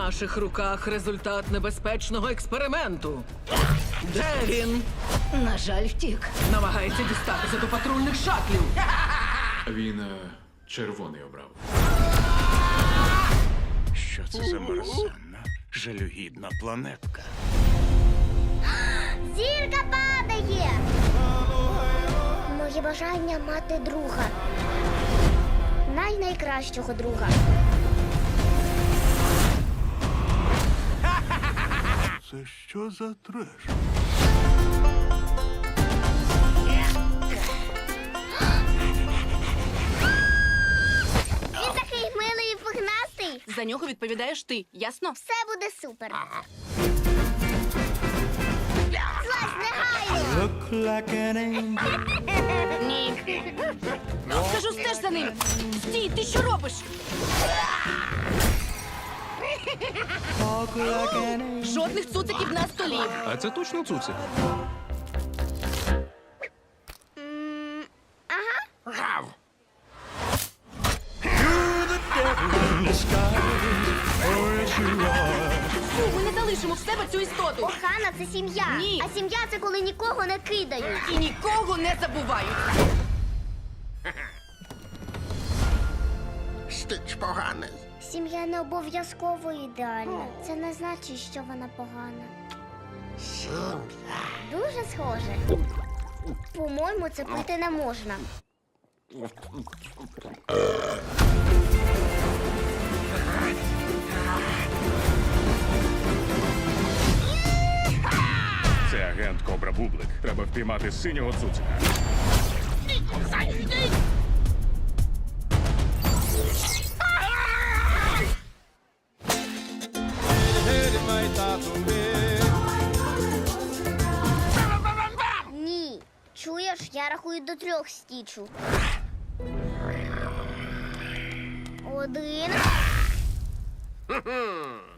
наших руках результат небезпечного експерименту. Де він? На жаль, втік. Намагається дістатися до патрульних шатлів. Він червоний обрав. Що це за мерзенна, жалюгідна планетка? Зірка падає! Моє бажання мати друга. Найкращого друга. Це що за треш? Він такий милий і пухнастий. За нього відповідаєш ти, ясно? Все буде супер. Злазь негайно! Ні. Кажу, стеж за ним. Стій, ти що робиш? Жодних цуциків на столі. А це точно цуцик? Фу, ми не залишимо в себе цю істоту. Охана – це сім'я. Ні. А сім'я – це коли нікого не кидають. І нікого не забувають. Стич поганий. Сім'я не обов'язково ідеальна. Це не значить, що вона погана. Сім'я. Дуже схоже. По-моєму, це пити не можна. Це агент Кобра Бублик. Треба впіймати синього цуцика. Ні. Чуєш, я рахую до 3 стічу. 1.